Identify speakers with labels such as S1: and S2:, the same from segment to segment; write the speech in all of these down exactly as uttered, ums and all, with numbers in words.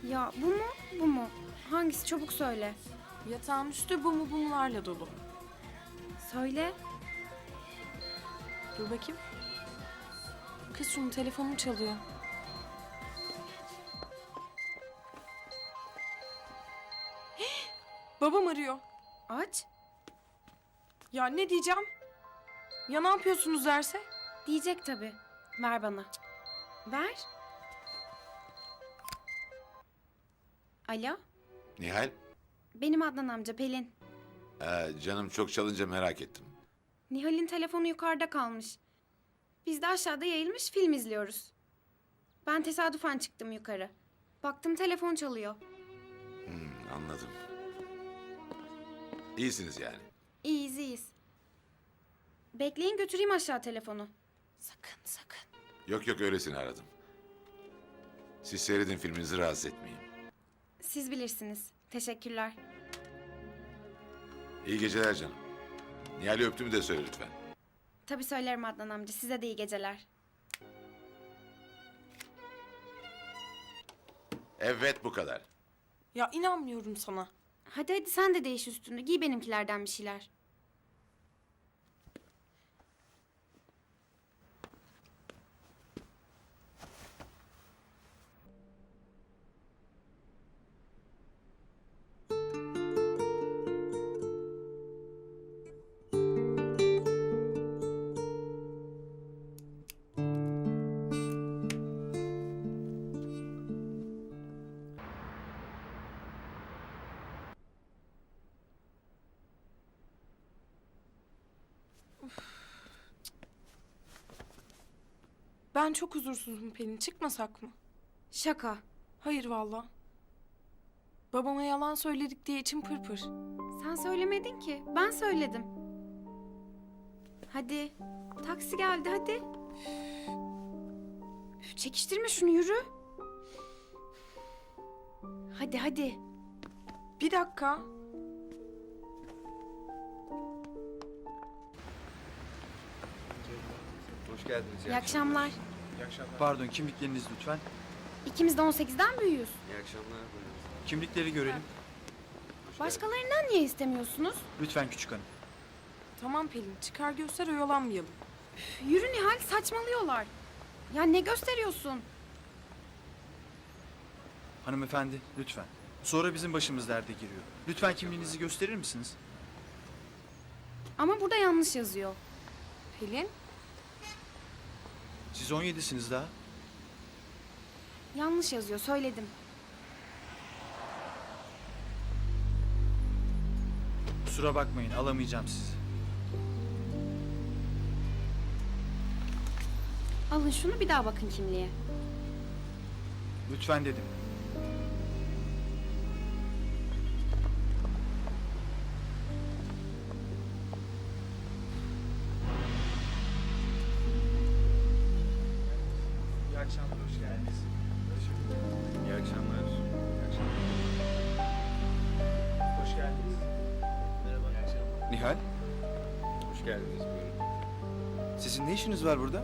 S1: Ya bu mu, bu mu? Hangisi? Çabuk söyle.
S2: Yatağın üstü bu mu bumularla dolu.
S1: Söyle.
S2: Dur bakayım. Kız şunun telefonum çalıyor. Hih! Babam arıyor.
S1: Aç.
S2: Ya ne diyeceğim? Ya ne yapıyorsunuz derse?
S1: Diyecek tabii. Ver bana. Ver. Alo.
S3: Nihal,
S1: Benim Adnan amca Pelin.
S3: ee, canım çok çalınca merak ettim.
S1: Nihal'in telefonu yukarıda kalmış. Biz de aşağıda yayılmış film izliyoruz. Ben tesadüfen çıktım yukarı. Baktım telefon çalıyor.
S3: Hmm, anladım. İyisiniz yani.
S1: İyiyiz iyiyiz. Bekleyin götüreyim aşağı telefonu.
S2: Sakın sakın.
S3: Yok yok öylesine aradım. Siz seyredin filminizi rahatsız etmeyeyim.
S1: Siz bilirsiniz. Teşekkürler.
S3: İyi geceler canım. Nihal'i öptüğümü de söyle lütfen.
S1: Tabii söylerim Adnan amca. Size de iyi geceler.
S3: Evet bu kadar.
S2: Ya inanmıyorum sana.
S1: Hadi hadi sen de değiş üstünü. Giy benimkilerden bir şeyler.
S2: Ben çok huzursuzum Pelin. Çıkmasak mı?
S1: Şaka.
S2: Hayır valla. Babama yalan söyledik diye içim pırpır.
S1: Sen söylemedin ki. Ben söyledim. Hadi. Taksi geldi hadi. Üf, çekiştirme şunu yürü. Hadi hadi.
S2: Bir dakika.
S4: Hoş geldiniz.
S1: İyi akşamlar.
S4: Pardon, kimlikleriniz lütfen.
S1: İkimiz de on sekizden büyüğüz.
S4: İyi akşamlar. Buyurun. Kimlikleri görelim.
S1: Başkalarından niye istemiyorsunuz?
S4: Lütfen küçük hanım.
S2: Tamam Pelin. Çıkar göster oyalanmayalım.
S1: Üf, yürü Nihal saçmalıyorlar. Ya ne gösteriyorsun?
S4: Hanımefendi, lütfen. Sonra bizim başımız derde giriyor. Lütfen kimliğinizi gösterir misiniz?
S1: Ama burada yanlış yazıyor.
S2: Pelin.
S4: Siz on yedisiniz daha.
S1: Yanlış yazıyor söyledim.
S4: Kusura bakmayın, alamayacağım sizi.
S1: Alın şunu bir daha bakın kimliğe.
S4: Lütfen dedim. İyi akşamlar, hoş geldiniz.
S5: İyi akşamlar. İyi akşamlar.
S4: Hoş geldiniz.
S5: Merhaba. İyi akşamlar.
S6: Nihal,
S5: Hoş geldiniz. Buyurun.
S6: sizin ne işiniz var burada?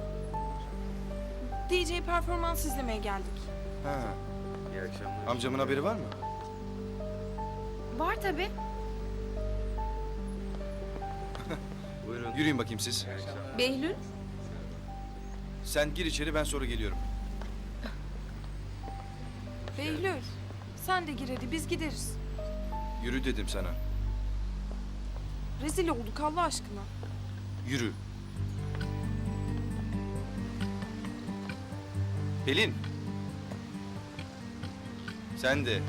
S2: D J performans izlemeye geldik.
S6: Ha,
S5: İyi akşamlar.
S6: amcamın haberi var mı?
S1: Var tabii.
S5: Buyurun.
S6: Yürüyün bakayım siz.
S5: İyi akşamlar.
S2: Behlül.
S6: Sen gir içeri, ben sonra geliyorum.
S2: Behlül. Sen de gir hadi biz gideriz.
S6: Yürü dedim sana.
S2: Rezil olduk Allah aşkına.
S6: Yürü. Pelin. Sen de.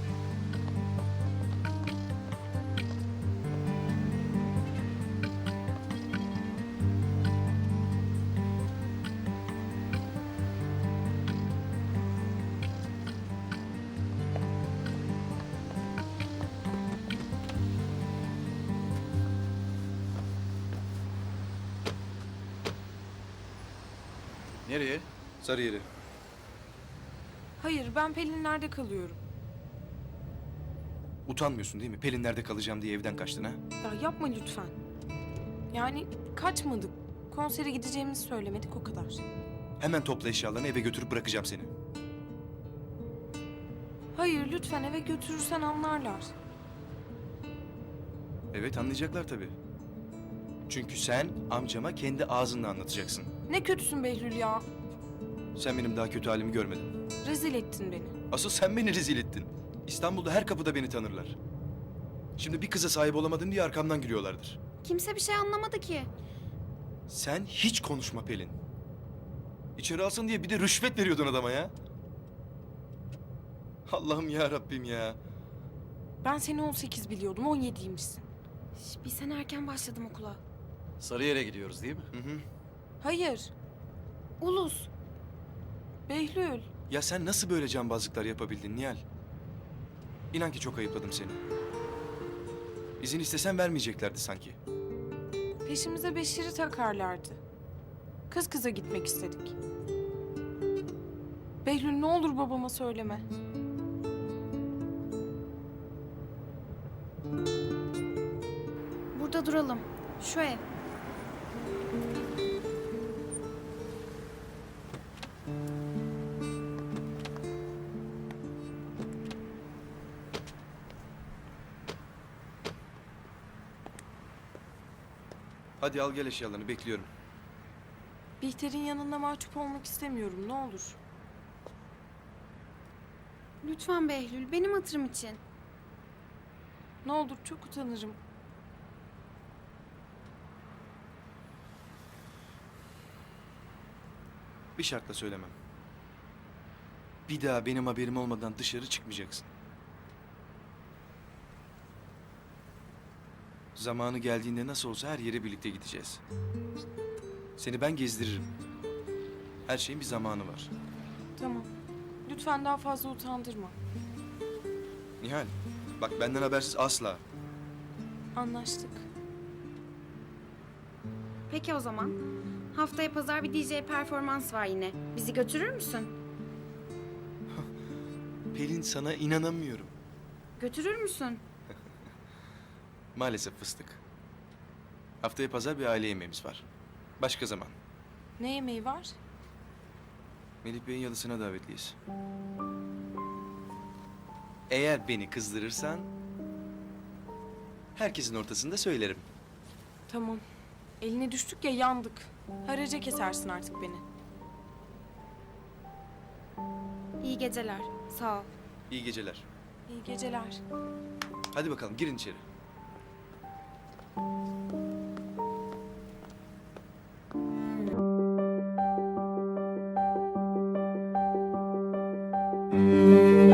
S4: Nereye?
S6: Sarıyer'i.
S2: Hayır ben Pelinler'de kalıyorum.
S6: Utanmıyorsun değil mi? Pelinler'de kalacağım diye evden kaçtın ha?
S2: Ya yapma lütfen. Yani kaçmadık. Konsere gideceğimizi söylemedik o kadar.
S6: Hemen topla eşyalarını, eve götürüp bırakacağım seni.
S2: Hayır lütfen eve götürürsen anlarlar.
S6: Evet, anlayacaklar tabii. Çünkü sen amcama kendi ağzınla anlatacaksın.
S2: Ne kötüsün Behlül ya.
S6: Sen benim daha kötü halimi görmedin.
S2: Rezil ettin beni.
S6: Asıl sen beni rezil ettin. İstanbul'da her kapıda beni tanırlar. Şimdi bir kıza sahip olamadın diye arkamdan gülüyorlardır.
S1: Kimse bir şey anlamadı ki.
S6: Sen hiç konuşma Pelin. İçeri alsın diye bir de rüşvet veriyordun adama ya. Allah'ım ya Rabbim ya.
S2: Ben seni on sekiz biliyordum, on yediymişsin.
S1: Şş, bir sene erken başladım okula.
S5: Sarıyer'e gidiyoruz değil mi?
S6: Hı hı.
S2: Hayır,
S1: Ulus.
S2: Behlül.
S6: Ya sen nasıl böyle cambazlıklar yapabildin Nihal? İnan ki çok ayıpladım seni. İzin istesen vermeyeceklerdi sanki.
S2: Peşimize Beşir'i takarlardı. Kız kıza gitmek istedik. Behlül ne olur babama söyleme.
S1: Burada duralım. Şu ev.
S6: Hadi al gel eşyalarını, bekliyorum.
S2: Bihter'in yanında mahcup olmak istemiyorum, ne olur.
S1: Lütfen Behlül, benim hatırım için.
S2: Ne olur çok utanırım.
S6: Bir şartla söylemem. Bir daha benim haberim olmadan dışarı çıkmayacaksın. Zamanı geldiğinde nasıl olsa her yere birlikte gideceğiz. Seni ben gezdiririm. Her şeyin bir zamanı var.
S2: Tamam. Lütfen daha fazla utandırma.
S6: Nihal, bak benden habersiz asla.
S2: Anlaştık.
S1: Peki o zaman. Haftaya pazar bir D J performans var yine. Bizi götürür müsün?
S6: Pelin, sana inanamıyorum.
S1: Götürür müsün?
S6: Maalesef fıstık. Haftaya pazar bir aile yemeğimiz var. Başka zaman.
S2: Ne yemeği var?
S6: Melih Bey'in yalısına davetliyiz. Eğer beni kızdırırsan... herkesin ortasında söylerim.
S2: Tamam. Eline düştük ya yandık. Haraca kesersin artık beni.
S1: İyi geceler. Sağ ol.
S6: İyi geceler.
S2: İyi geceler.
S6: Hadi bakalım, girin içeri.
S1: Müzik